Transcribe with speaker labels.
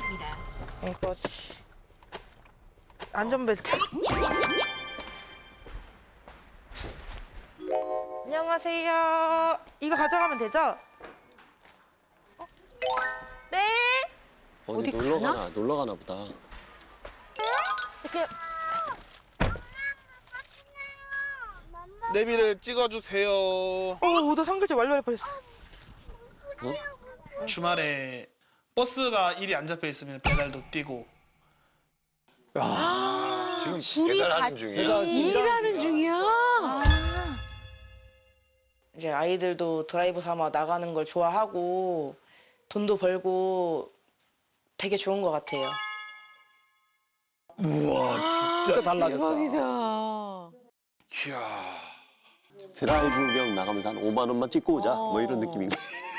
Speaker 1: 있습니다.
Speaker 2: 이거지. 안전벨트. 안녕하세요. 이거 가져가면 되죠? 네.
Speaker 3: 어디 놀러 가나? 놀러 가나 보다.
Speaker 2: 이렇게
Speaker 4: 내비를 찍어주세요.
Speaker 2: 나 상글자 완료할 뻔했어.
Speaker 4: 주말에 버스가 일이 안 잡혀 있으면 배달도 뛰고.
Speaker 3: 지금 배달하는 중이야?
Speaker 5: 일하는 중이야?
Speaker 2: 이제 아이들도 드라이브 삼아 나가는 걸 좋아하고 돈도 벌고 되게 좋은 것 같아요.
Speaker 3: 우와, 진짜 달라졌다.
Speaker 5: 대박이다.
Speaker 3: 드라이브 경 나가면서 한 5만 원만 찍고 오자. 뭐 이런 느낌인 거야.